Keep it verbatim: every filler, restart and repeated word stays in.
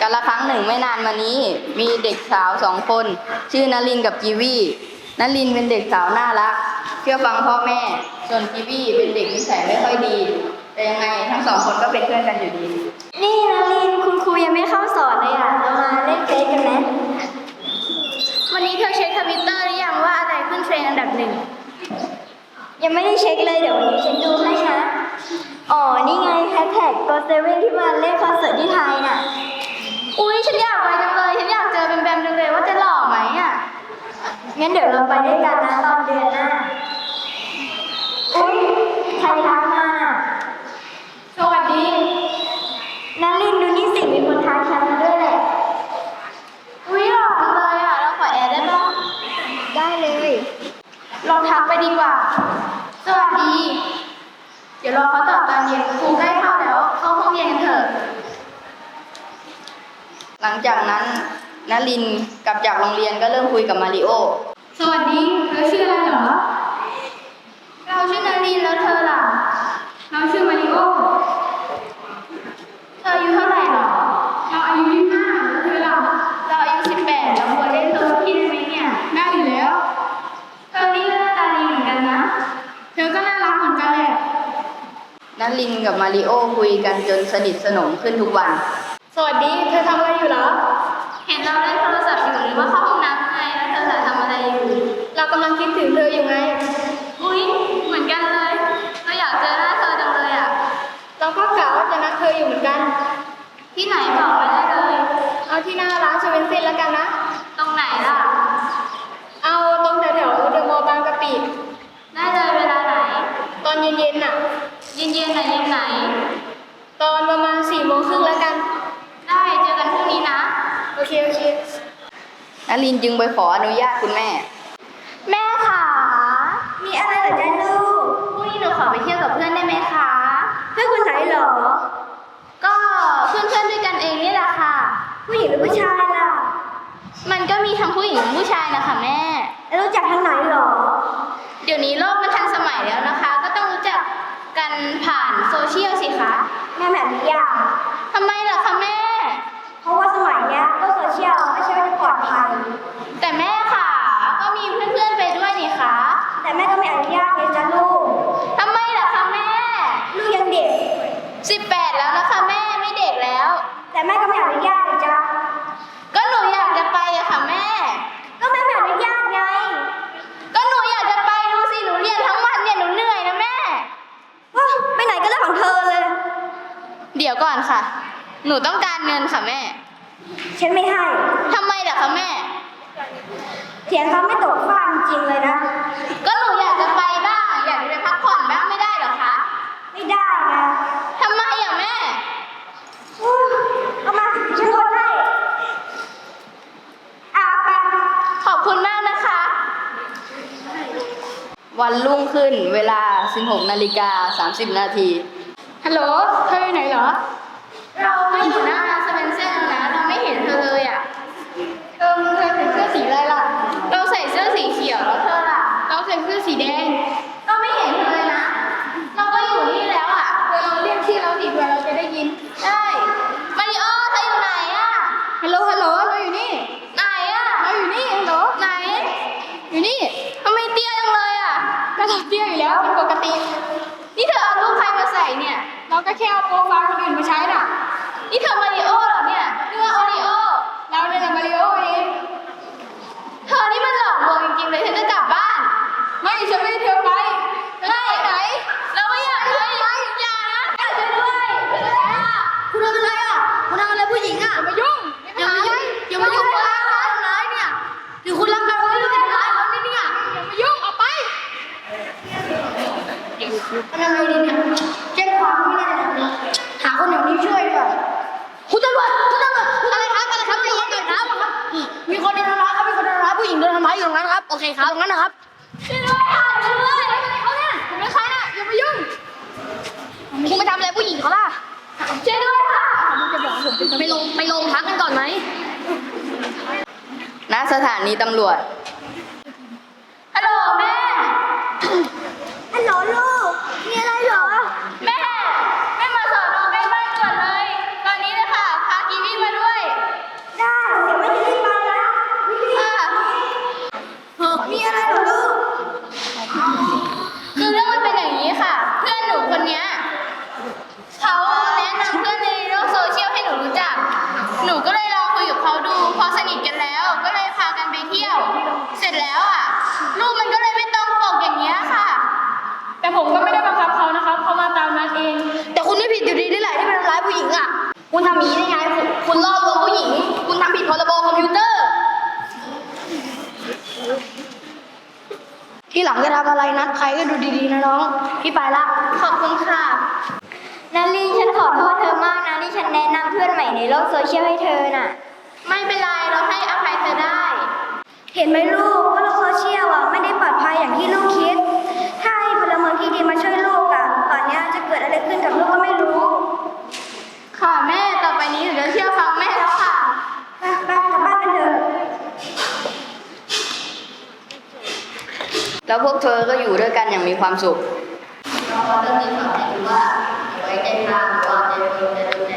กาลครั้งหนึ่งไม่นานมานี้มีเด็กสาวสองคนชื่อนลินกับกีวีนลินเป็นเด็กสาวน่ารักเชื่อฟังพ่อแม่ส่วนกีวีเป็นเด็กนิสัยไม่ค่อยดีแต่ยังไงทั้งสองคนก็เป็นเพื่อนกันอยู่ดีนี่นลินคุณครูยังไม่เข้าสอนเลยอ่ะเรามาเล่นเฟซกันไหมวันนี้เธอเช็คทวิตเตอร์หรือยังว่าอะไรขึ้นเทรนด์อันดับหนึ่งยังไม่ได้เช็คเลยเดี๋ยววันนี้ฉันดูให้นะอ๋อนี่ไงแฮชแท็กโกเซเว่นที่มาเล่นคอนเสิร์ตที่ไทยน่ะอุ๊ยฉันอยากไปจังเลยฉันอยากเจอแบมแบมจังเลยว่าจะหล่อไหมอ่ะงั้นเดี๋ยวเราไปด้วยกันนะตอนเดือนหน้าอุ๊ยใครทักมาสวัสดีนลินดูนี่สิมีคนทักฉันมาด้วยแหละอุ๊ยหล่อจังเลยอ่ะเราขอแอดได้ปะได้เลยลองทักไปดีกว่าสวัสดีเดี๋ยวรอเขาตอบตอนเย็นครูใกล้เข้าแล้วเข้าห้องเรียนกันเถอะหลังจากนั้นนลินกลับจากโรงเรียนก็เริ่มคุยกับมาริโอสวัสดีเธอชื่ออะไรเหรอเราชื่อนลินแล้วเธอล่ะเราชื่อมาริโอเธออายุเท่าไหร่หรอเราอายุยี่สิบห้าแล้วเธอล่ะเราอายุสิบแปดเราควรเล่นตัวพี่ได้ไหมเนี่ยได้อยู่แล้วเธอนี่หน้าตาดีเหมือนกันนะเธอก็น่ารักเหมือนกันแหละนลินกับมาริโอคุยกันจนสนิทสนมขึ้นทุกวันสวัสดีเธอทำอะไรอยู่เหรอเห็นเราเล่นโทรศัพท์อยู่หรือว่าเข้าห้องน้ำไงแล้วเธอทำอะไรอยู่เรากำลังคิดถึงเธออยู่ไงอุ๊ยเหมือนกันเลยเราอยากเจอหน้าเธอจังเลยอ่ะเราก็กะว่าจะนัดเธออยู่เหมือนกันที่ไหนบอกมาได้เลยเอาที่หน้าร้านเซเว่นเซนแล้วกันนะตรงไหนล่ะเอาตรงแถวแถวเดอะมอลล์บางกะปิได้เลยเวลาไหนตอนเย็นๆน่ะเย็นๆไหนเย็นไหนตอนประมาณสี่โมงครึ่งแล้วกันได้เจอกันพรุ่งนี้นะโอเคโอเคนลินจึงไปขออนุญาตคุณแม่แม่ค่ะมีอะไรเหรอจ๊ะลูกพรุ่งนี้หนูขอไปเที่ยวกับเพื่อนได้ไหมคะเพื่อนคนไหนเหรอก็เพื่อนเพื่อนด้วยกันเองนี่แหละค่ะผู้หญิงหรือผู้ชายล่ะมันก็มีทั้งผู้หญิงและผู้ชายนะคะแม่แล้วรู้จักทางไหนเหรอเดี๋ยวนี้โลกมันทันสมัยแล้วนะคะก็ต้องรู้จักกันผ่านโซเชียลสิคะแม่แบบนี้อ่ะทำไมล่ะคะแม่เพราะว่าสมัยเนี้ยโลกโซเชียลไม่ใช่ว่าจะปลอดภัยแต่แม่ค่ะก็มีเพื่อนๆไปด้วยนี่คะแต่แม่ก็ไม่อนุญาตไงจ๊ะลูกทำไมล่ะคะแม่ลูกยังเด็กสิบแปดแล้วนะคะแม่ไม่เด็กแล้วแต่แม่ก็ไม่อนุญาตเลยจ้ะก็หนูอยากจะไปอะค่ะแม่ก็แม่ไม่อนุญาตไงก็หนูอยากจะไปดูสิหนูเรียนทั้งวันเนี่ยหนูเหนื่อยนะแม่ไปไหนก็เรื่องของเธอเลยเดี๋ยวก่อนค่ะหนูต้องการเงินค่ะแม่ฉันไม่ให้ทำไมล่ะคะแม่เถียงเขาไม่ตกฟากจริงเลยนะก็หนูอยากจะไปบ้างอยากจะไปพักผ่อนบ้างไม่ได้เหรอคะไม่ได้นะทำไมอ่ะแม่เอามาฉันโอนให้อาไปขอบคุณมากนะคะวันรุ่งขึ้นเวลา สิบหกนาฬิกาสามสิบนาทีฮัลโหลเธออยู่ไหนเหรอเราไม่อยู่หน้าร้านเซเว่นเซนแล้วนะเราไม่เห็นเธอเลยอ่ะเธอเธอใส่เสื้อสีอะไรล่ะเราใส่เสื้อสีเขียวแล้วเธอล่ะเราใส่เสื้อสีแดงเราไม่เห็นเธอเลยนะเราก็อยู่นี่แล้วอ่ะเธอเราเรียกชื่อเราสิเพื่อเราจะได้ยินได้มาริโอเธออยู่ไหนอ่ะฮัลโหลฮัลโหลเราอยู่นี่ไหนอ่ะเราอยู่นี่ฮัลโหลไหนอยู่นี่ทำไมเตี้ยจังเลยอ่ะก็เราเตี้ยอยู่แล้วเป็นปกตินี่เธอเอารูปใครมาใส่เนี่ยเราก็แค่เอาโปรไฟล์คนอื่นมาใช้น่ะนี่เธอมาริโอเหรอเนี่ยนี่ว่าโอริโอเราเนี่ยแหละมาริโอเองเธอนี่มันหลอกลวงจริงๆเลยเธอจะกลับบ้านไม่ฉันไม่ให้เธอไปไม่ไหนเราไม่อยากไปอย่านะช่วยด้วยช่วยด้วยคุณทำอะไรอ่ะคุณทำอะไรผู้หญิงอ่ะอย่ามายุ่งอย่ามายุ่งอย่ามายุ่งเลยทำร้ายเนี่ยหรือคุณรักกันคุณไม่รู้จะทำร้ายเขาเนี่ยอย่ามายุ่งออกไปทำไมดีเนี่ยแจ้งความไม่ได้ทำนะหาคนอย่างนี้ช่วยด้วยคุณตำรวจคุณตำรวจอะไรครับอะไรครับใจเย็นๆครับมีคนโดนทำร้ายครับมีคนโดนทำร้ายผู้หญิงโดนทำร้ายอยู่ตรงนั้นครับโอเคครับตรงนั้นนะครับช่วยด้วยค่ะช่วยด้วยเขาเนี่ยผมเป็นใครน่ะอย่ามายุ่งคุณไปทำอะไรผู้หญิงเขาล่ะช่วยด้วยค่ะไปลงไปลงพักกันก่อนไหมณสถานีตำรวจฮัลโหลแม่ฮัลโหลลูกมีอะไรเหรอแม่แม่มาสอนอใกล้บ้านด่วนเลยตอนนี้เลยค่ะพากีวีมาด้วยำอย่างนี้ได้ไงคุณคุณล่อลวงผู้หญิง คุณทำผิดพรบคอมพิวเตอร์ ที่หลังจะทำอะไรนัดใครก็ดูดีๆนะน้อง พี่ไปละ ขอบคุณค่ะนารินฉันขอโทษเธอมากนะที่ฉันแนะนำเพื่อนใหม่ในโลกโซเชียลให้เธอน่ะไม่เป็นไร เราให้อภัยเธอได้เห็นไหมลูกว่าโลกโซเชียลอ่ะไม่ได้ปลอดภัยอย่างที่ลูกคิด ถ้าให้พลเมืองที่ดีมาช่วยลูกอ่ะตอนเนี้ยจะเกิดอะไรขึ้นกับลูกก็ไม่รู้ค่ะแม่ ต่อไปนี้หนูจะเชื่อฟังแม่แล้วค่ะไปไปกลับบ้านกันเถอะแล้วพวกเธอก็อยู่ด้วยกันอย่างมีความสุขเราเรื่องนี้สอนให้รู้ว่าไว้ใจทางวางใจคนจะดูใน